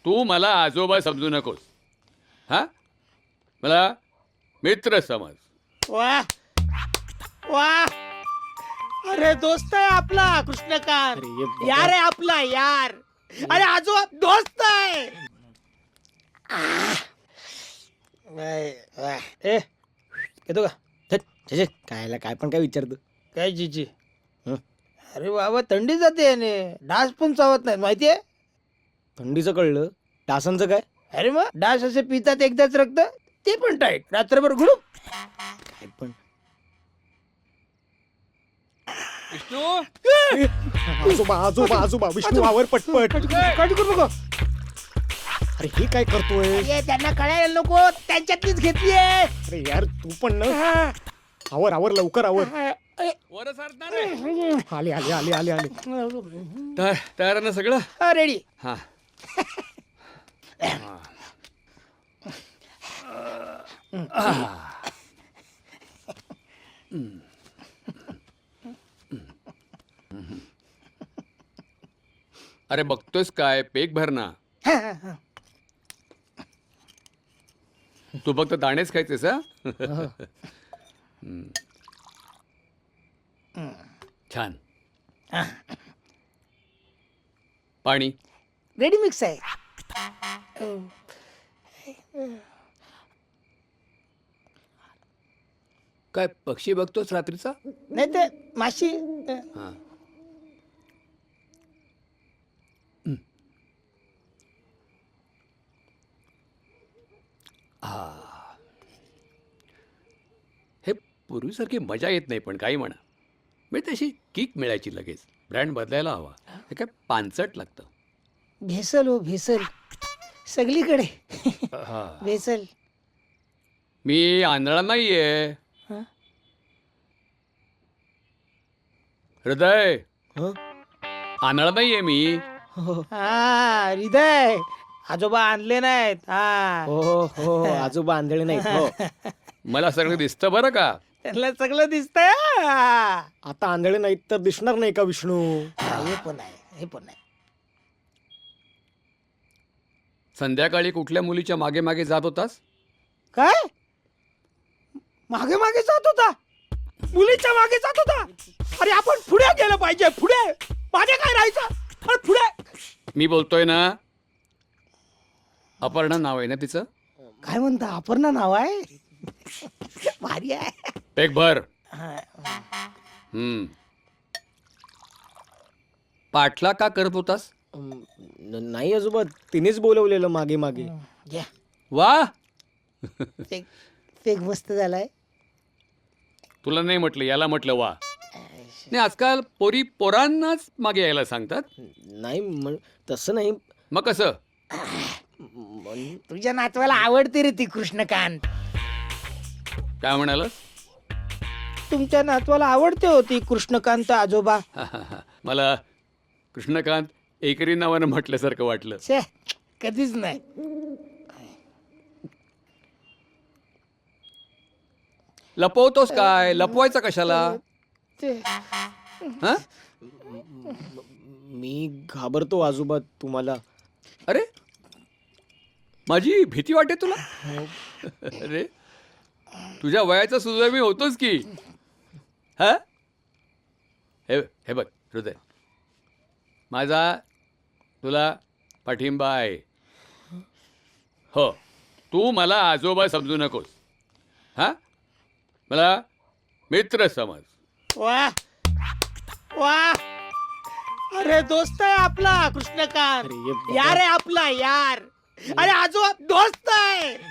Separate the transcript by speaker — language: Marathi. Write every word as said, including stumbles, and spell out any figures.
Speaker 1: तू मला आजोबा समजू नकोस. हा, मला मित्र समज.
Speaker 2: वा वा, अरे दोस्त आहे आपला कृष्णकांत.
Speaker 3: अरे ये बाबा.
Speaker 2: यार आहे आपला यार. अरे आजोबा दोस्त आहे.
Speaker 3: ए येतो का? धत, छे, छे, कायला काय पण काय विचारतो.
Speaker 2: काय जीजी?
Speaker 3: हं?
Speaker 2: अरे बाबा थंडी जाते याने, डास पण चावत नाहीत माहितीये.
Speaker 3: थंडीचं कळलं, डासांचं काय?
Speaker 2: अरे मग डास असे पितात एकदाच रक्त, ते पण टाईट, रात्रभर घुडू.
Speaker 3: काय पण
Speaker 1: विष्णू,
Speaker 3: आजोबा आजोबा आजोबा विष्णू आवर पटपट.
Speaker 2: काळजी करू नको.
Speaker 3: अरे हे काय करतोय?
Speaker 2: ये, त्यांना कळायला नको, त्यांच्यातलीच घेतलीये.
Speaker 3: अरे यार तू पण ना, आवर आवर लवकर आवर.
Speaker 1: वर सरणार रे.
Speaker 3: आले आले आले आले आले.
Speaker 1: तयार तयार आहे ना सगळं?
Speaker 2: हा रेडी.
Speaker 1: हा. अरे बघतोयस काय, पेक भर ना. तू फक्त दाणेच खायचेस हा? हम्म. छान. पाणी.
Speaker 2: रेडी मिक्स आहे.
Speaker 1: काय पक्षी बघतोस रात्रीचा?
Speaker 2: नाही तर माशी.
Speaker 1: हा. हे पूर्वीसारखी मजा येत नाही, पण काही म्हणा, म्हणजे तशी किक मिळायची लगेच. ब्रँड बदलायला हवा. हे काय पानचट लागतं.
Speaker 2: भेसल हो भेसल, सगळीकडे
Speaker 1: हा.
Speaker 2: भेसल.
Speaker 1: मी आंधळा नाहीये.
Speaker 2: हं?
Speaker 1: हृदय,
Speaker 3: हं?
Speaker 1: आंधळा नाहीये मी.
Speaker 3: हो
Speaker 2: हा हृदय, आजोबा आणले नाहीत. हा
Speaker 3: हो हो आजोबा आंधळे नाहीत. हो
Speaker 1: मला सगळं दिसतं बरं का.
Speaker 2: त्यांना सगळं दिसतंय. हा.
Speaker 3: आता आंधळे नाहीत तर दिसणार नाही का विष्णू?
Speaker 2: हे पण आहे, हे पण आहे.
Speaker 1: संध्याकाळी कुठल्या मुलीच्या मागे मागे जात होतास?
Speaker 2: काय मागे मागे जात होता? मुलीच्या मागे जात होता? अरे आपण पुढे गेलं पाहिजे, पुढे. मागे काय राहायचं? अरे पुढे.
Speaker 1: मी बोलतोय ना. अपर्णा नाव आहे ना तिचं?
Speaker 2: काय म्हणता, अपर्णा नाव आहे? भारी आहे.
Speaker 1: पेक भर.
Speaker 2: हा.
Speaker 1: हम्म. पाठला का करत होतास?
Speaker 3: अम, न- नाही आजोबा, तिनेच बोलवलेलं मागे मागे.
Speaker 2: घ्या.
Speaker 1: वा,
Speaker 2: पेक पेक मस्त झालाय.
Speaker 1: तुला नाही म्हटलं, याला म्हटलं वा. नाही, आजकाल पोरी पोरांनाच मागे यायला सांगतात.
Speaker 3: नाही म्हण- तसं नाही.
Speaker 1: मग कसं?
Speaker 3: म्हण-
Speaker 2: तुझ्या नातवाला आवडते रे ती कृष्णकांत.
Speaker 1: काय म्हणाल?
Speaker 2: तुमच्या नातवाला आवडते होती कृष्णकांत आजोबा.
Speaker 1: मला कृष्णकांत एकरी नावानं म्हटल्यासारखं वाटलं.
Speaker 2: छे, कधीच नाही.
Speaker 1: लपवतोस काय? लपवायचं कशाला?
Speaker 2: ते
Speaker 1: हा?
Speaker 3: मी घाबरतो आजोबा तुम्हाला.
Speaker 1: अरे, माझी भीती वाटते तुला? अरे, तुझ्या वयाचा सुद्धा मी होतोच की. हा, हे हे बघ हृदय, माझा तुला पाठिंबा आहे. हो, तू मला आजोबा समजू नकोस. हा, मला मित्र समज.
Speaker 2: वा वा, अरे दोस्त आहे आपला कृष्णकांत.
Speaker 3: अरे ये बाबा.
Speaker 2: यार आहे आपला यार. अरे आजोबा दोस्त आहे.